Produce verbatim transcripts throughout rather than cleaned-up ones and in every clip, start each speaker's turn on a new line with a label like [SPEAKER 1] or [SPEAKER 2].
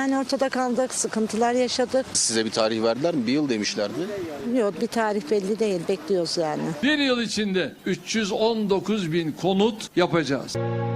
[SPEAKER 1] yani ortada kaldık, sıkıntılar yaşadık.
[SPEAKER 2] Size bir tarih verdiler mi? Bir yıl demişlerdi.
[SPEAKER 1] Yok, bir tarih belli değil, bekliyoruz yani.
[SPEAKER 3] Bir yıl içinde üç yüz on dokuz bin konut yapacağız.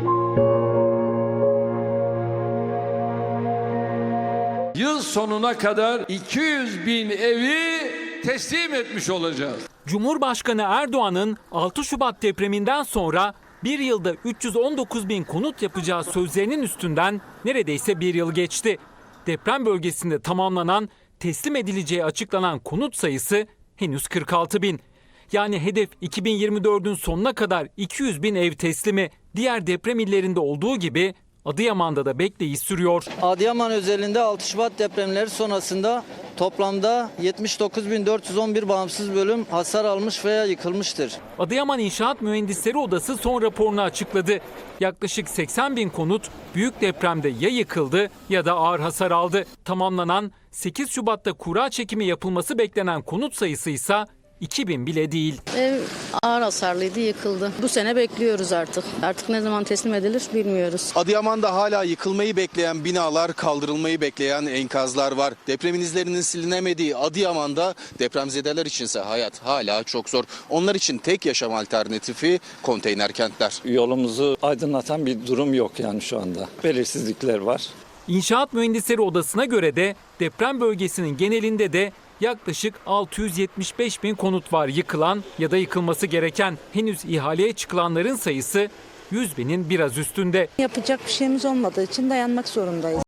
[SPEAKER 3] Yıl sonuna kadar iki yüz bin evi teslim etmiş olacağız.
[SPEAKER 4] Cumhurbaşkanı Erdoğan'ın altı Şubat depreminden sonra bir yılda üç yüz on dokuz bin konut yapacağı sözlerinin üstünden neredeyse bir yıl geçti. Deprem bölgesinde tamamlanan, teslim edileceği açıklanan konut sayısı henüz kırk altı bin. Yani hedef iki bin yirmi dördün sonuna kadar iki yüz bin ev teslimi. Diğer deprem illerinde olduğu gibi Adıyaman'da da bekleyiş sürüyor.
[SPEAKER 5] Adıyaman özelinde altı Şubat depremleri sonrasında toplamda yetmiş dokuz bin dört yüz on bir bağımsız bölüm hasar almış veya yıkılmıştır.
[SPEAKER 4] Adıyaman İnşaat Mühendisleri Odası son raporunu açıkladı. Yaklaşık seksen bin konut büyük depremde ya yıkıldı ya da ağır hasar aldı. Tamamlanan sekiz Şubat'ta kura çekimi yapılması beklenen konut sayısı ise iki bin bile değil.
[SPEAKER 6] Ev ağır hasarlıydı, yıkıldı. Bu sene bekliyoruz artık. Artık ne zaman teslim edilir bilmiyoruz.
[SPEAKER 2] Adıyaman'da hala yıkılmayı bekleyen binalar, kaldırılmayı bekleyen enkazlar var. Depremin izlerinin silinemediği Adıyaman'da depremzedeler içinse hayat hala çok zor. Onlar için tek yaşam alternatifi konteyner kentler.
[SPEAKER 7] Yolumuzu aydınlatan bir durum yok yani şu anda. Belirsizlikler var.
[SPEAKER 4] İnşaat Mühendisleri Odası'na göre de deprem bölgesinin genelinde de yaklaşık altı yüz yetmiş beş bin konut var yıkılan ya da yıkılması gereken. Henüz ihaleye çıkılanların sayısı yüz binin biraz üstünde.
[SPEAKER 1] Yapacak bir şeyimiz olmadığı için dayanmak zorundayız.